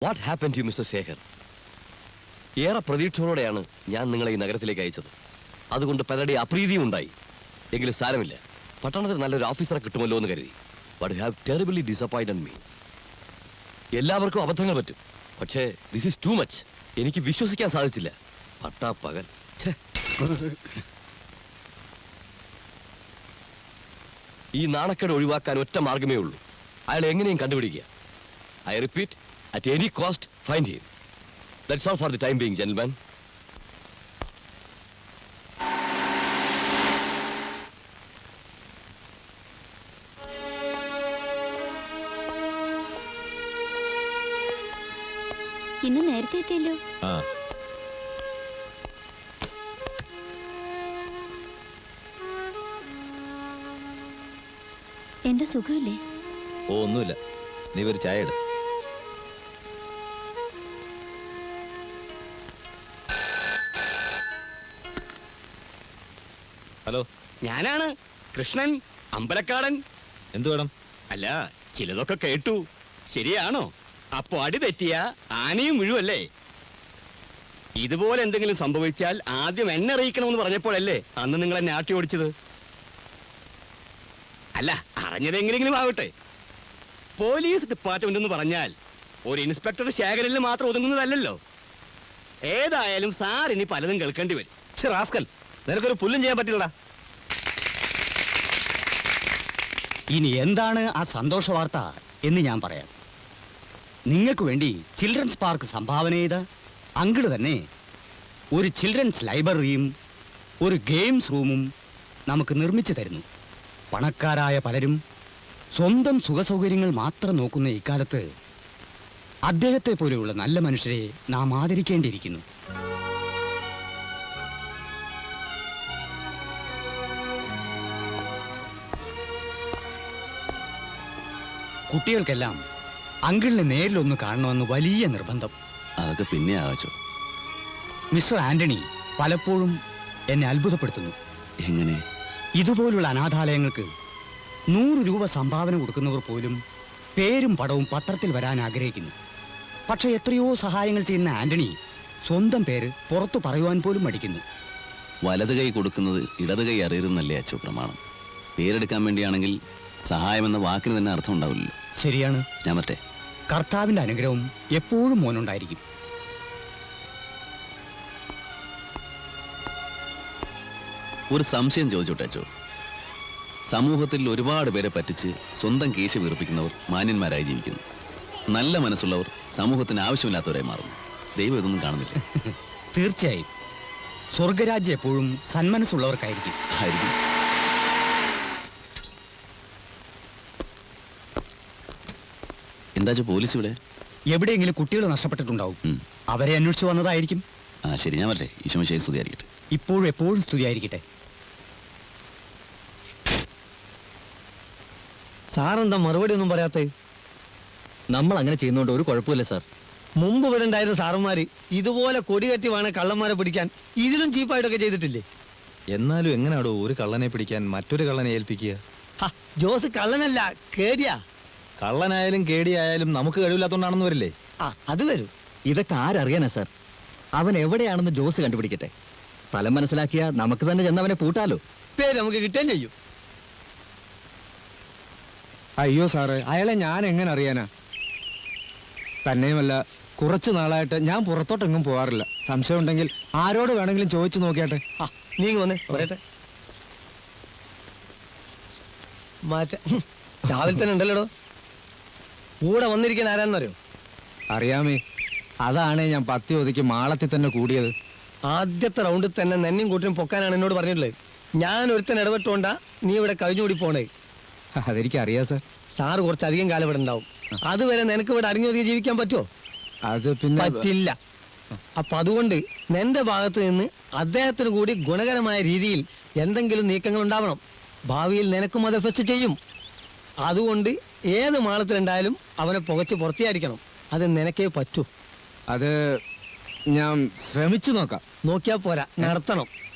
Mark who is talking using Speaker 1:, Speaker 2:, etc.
Speaker 1: What happen to mister Shekhar? ഏറെ പ്രതീക്ഷയോടെയാണ് ഞാൻ നിങ്ങളെ ഈ നഗരത്തിലേക്ക് അയച്ചത്. അതുകൊണ്ട് പലരുടെ അപ്രീതിയും ഉണ്ടായി. എങ്കിലും സാരമില്ല, പട്ടണത്തിൽ നല്ലൊരു ഓഫീസറെ കിട്ടുമല്ലോ എന്ന് കരുതി. But have terribly disappointed me. എല്ലാവർക്കും അബദ്ധങ്ങൾ പറ്റും, പക്ഷേ ദിസ് ഈസ് ടു മച്ച്. എനിക്ക് വിശ്വസിക്കാൻ സാധിച്ചില്ല. പട്ടാപ്പകൽ. ഈ നാണക്കേട് ഒഴിവാക്കാൻ ഒറ്റ മാർഗമേ ഉള്ളൂ. അയാളെ എങ്ങനെയും കണ്ടുപിടിക്കുക. I repeat, at any cost, find him. That's all for the time being, gentlemen.
Speaker 2: ഇന്ന് നേരത്തെ എത്തിയല്ലോ. എന്താ സുഖമില്ലേ?
Speaker 3: ഓ ഒന്നുമില്ല, നീ ഒരു ചായ ഇട്. ഹലോ,
Speaker 4: ഞാനാണ് കൃഷ്ണൻ അമ്പലക്കാടൻ.
Speaker 3: എന്തു വേണം?
Speaker 4: അല്ല, ചിലതൊക്കെ കേട്ടു. ശരിയാണോ? അപ്പൊ അടി തെറ്റിയ ആനയും വീഴുമല്ലേ? ഇതുപോലെ എന്തെങ്കിലും സംഭവിച്ചാൽ ആദ്യം എന്നെ അറിയിക്കണമെന്ന് പറഞ്ഞപ്പോഴല്ലേ അന്ന് നിങ്ങൾ എന്നെ ആട്ടി ഓടിച്ചത്? അല്ല, അറിഞ്ഞതെങ്ങനെയെങ്കിലും ആവട്ടെ. പോലീസ് ഡിപ്പാർട്ട്മെന്റ് എന്ന് പറഞ്ഞാൽ ഒരു ഇൻസ്പെക്ടർ ശേഖരനിൽ മാത്രം ഒതുങ്ങുന്നതല്ലോ. ഏതായാലും സാർ ഇനി പലതും കേൾക്കേണ്ടി വരും.
Speaker 3: റാസ്കൽ, നിനക്കൊരു പുല്ലും ചെയ്യാൻ പറ്റില്ലടാ.
Speaker 5: ഇനി എന്താണ് ആ സന്തോഷ വാർത്ത എന്ന് ഞാൻ പറയാം. നിങ്ങൾക്ക് വേണ്ടി ചിൽഡ്രൻസ് പാർക്ക് സംഭാവന ചെയ്ത അങ്കിള് തന്നെ ഒരു ചിൽഡ്രൻസ് ലൈബ്രറിയും ഒരു ഗെയിംസ് റൂമും നമുക്ക് നിർമ്മിച്ചു തരുന്നു. പണക്കാരായ പലരും സ്വന്തം സുഖസൗകര്യങ്ങൾ മാത്രം നോക്കുന്ന ഇക്കാലത്ത് അദ്ദേഹത്തെ പോലെയുള്ള നല്ല മനുഷ്യരെ നാം ആദരിക്കേണ്ടിയിരിക്കുന്നു. കുട്ടികൾക്കെല്ലാം അങ്കിളിനെ നേരിലൊന്ന് കാണണമെന്ന് വലിയ നിർബന്ധം.
Speaker 3: അതൊക്കെ പിന്നെ ആവാച്ചോ.
Speaker 5: മിസ്റ്റർ ആന്റണി പലപ്പോഴും എന്നെ അത്ഭുതപ്പെടുത്തുന്നു.
Speaker 3: എങ്ങനെ?
Speaker 5: ഇതുപോലുള്ള അനാഥാലയങ്ങൾക്ക് 100 രൂപ സംഭാവന കൊടുക്കുന്നവർ പോലും പേരും പടവും പത്രത്തിൽ വരാൻ ആഗ്രഹിക്കുന്നു. പക്ഷെ എത്രയോ സഹായങ്ങൾ ചെയ്യുന്ന ആന്റണി സ്വന്തം പേര് പുറത്തു പറയുവാൻ പോലും മടിക്കുന്നു.
Speaker 3: വലത് കൈ കൊടുക്കുന്നത് ഇടത് കൈ അറിയരുന്നല്ലേ അച്ചോ പ്രമാണം. പേരെടുക്കാൻ വേണ്ടിയാണെങ്കിൽ സഹായം എന്ന വാക്കിന് തന്നെ അർത്ഥം ഉണ്ടാവില്ലല്ലോ.
Speaker 5: ശരിയാണ്.
Speaker 3: ഞാൻ മറ്റേ
Speaker 5: കർത്താവിന്റെ അനുഗ്രഹം എപ്പോഴും മോനുണ്ടായിരിക്കും.
Speaker 3: ഒരു സംശയം ചോദിച്ചോട്ടെ അച്ചോ. സമൂഹത്തിൽ ഒരുപാട് പേരെ പറ്റിച്ച് സ്വന്തം കേശ വീർപ്പിക്കുന്നവർ മാന്യന്മാരായി ജീവിക്കുന്നു. നല്ല മനസ്സുള്ളവർ സമൂഹത്തിന് ആവശ്യമില്ലാത്തവരായി മാറുന്നു. ദൈവം ഇതൊന്നും കാണുന്നില്ല.
Speaker 5: തീർച്ചയായും സ്വർഗരാജ്യം എപ്പോഴും സന്മനസ്സുള്ളവർക്കായിരിക്കും.
Speaker 3: ആയിരിക്കും. എന്താ പോലീസ് ഇവിടെ?
Speaker 5: എവിടെയെങ്കിലും കുട്ടികൾ നഷ്ടപ്പെട്ടിട്ടുണ്ടാവും. അവരെ അന്വേഷിച്ചു വന്നതായിരിക്കും.
Speaker 3: ആ ശരി, ഞാൻ വരട്ടെ. ഈശോമിശിഹായെ സ്തുതിയായിരിക്കട്ടെ.
Speaker 5: ഇപ്പോഴും എപ്പോഴും സ്തുതിയായിരിക്കട്ടെ.
Speaker 6: സാറെന്താ മറുപടി ഒന്നും പറയാത്തേ?
Speaker 7: നമ്മൾ അങ്ങനെ ചെയ്യുന്നോണ്ട് ഒരു കുഴപ്പമില്ല സാർ.
Speaker 6: മുമ്പ് ഇവിടെ ഉണ്ടായിരുന്ന സാറന്മാര് ഇതുപോലെ കൊടികെട്ടി വേണം കള്ളന്മാരെ പിടിക്കാൻ. ഇതിലും ചീപ്പായിട്ടൊക്കെ ചെയ്തിട്ടില്ലേ?
Speaker 8: എന്നാലും എങ്ങനെയാടോ ഒരു കള്ളനെ പിടിക്കാൻ മറ്റൊരു കള്ളനെ ഏൽപ്പിക്കുക?
Speaker 6: ജോസ് കള്ളനല്ല, കേടിയാ.
Speaker 8: കള്ളനായാലും കേടിയായാലും നമുക്ക് കഴിവില്ലാത്തോണ്ടാണെന്ന് വരില്ലേ?
Speaker 6: അത് വരും.
Speaker 7: ഇതൊക്കെ ആരറിയാനാ സാർ? അവൻ എവിടെയാണെന്ന് ജോസ് കണ്ടുപിടിക്കട്ടെ. സ്ഥലം മനസ്സിലാക്കിയാ നമുക്ക് തന്നെ ചെന്നവനെ പൂട്ടാലോ.
Speaker 6: പേര് നമുക്ക് കിട്ടുകയും ചെയ്യും.
Speaker 8: അയ്യോ സാറേ, അയാളെ ഞാൻ എങ്ങനെ അറിയാനാ? തന്നെയുമല്ല, കുറച്ചു നാളായിട്ട് ഞാൻ പുറത്തോട്ടെങ്ങും പോകാറില്ല. സംശയം ഉണ്ടെങ്കിൽ ആരോട് വേണമെങ്കിലും ചോദിച്ചു നോക്കിയാട്ടെ.
Speaker 6: നീങ്ങി വന്നേ, പറയട്ടെ. രാവിലെ തന്നെ ഉണ്ടല്ലോ. കൂടെ വന്നിരിക്കാൻ ആരാന്നറിയോ?
Speaker 8: അറിയാമേ, അതാണ് ഞാൻ 10 ഒതുക്കി മാളത്തിൽ തന്നെ കൂടിയത്.
Speaker 6: ആദ്യത്തെ റൗണ്ടിൽ തന്നെ നെന്നെയും കൂട്ടിനും പൊക്കാനാണ് എന്നോട് പറഞ്ഞിട്ടുള്ളത്. ഞാൻ ഒരുത്തൻ ഇടപെട്ടോണ്ടാ നീ ഇവിടെ കഴിഞ്ഞുകൂടി പോണേ.
Speaker 8: അതെനിക്കറിയാം സാർ.
Speaker 6: സാറ് കുറച്ചധികം കാലം ഇവിടെ ഉണ്ടാവും. അതുവരെ നിനക്ക് ഇവിടെ അടങ്ങി ജീവിക്കാൻ പറ്റുമോ?
Speaker 8: അത് പിന്നെ
Speaker 6: പറ്റില്ല. അപ്പൊ അതുകൊണ്ട് നിന്റെ ഭാഗത്ത് നിന്ന് അദ്ദേഹത്തിന് കൂടി ഗുണകരമായ രീതിയിൽ എന്തെങ്കിലും നീക്കങ്ങൾ ഉണ്ടാവണം. ഭാവിയിൽ നിനക്കും അത് എഫക്ട് ചെയ്യും. അതുകൊണ്ട് ഏത് മാളത്തിലുണ്ടായാലും അവനെ പുകച്ച് പുറത്തിയായിരിക്കണം. അത് നിനക്കേ പറ്റൂ.
Speaker 8: അത് ഞാൻ ശ്രമിച്ചു നോക്കാം.
Speaker 6: നോക്കിയാ പോരാ, നടത്തണം.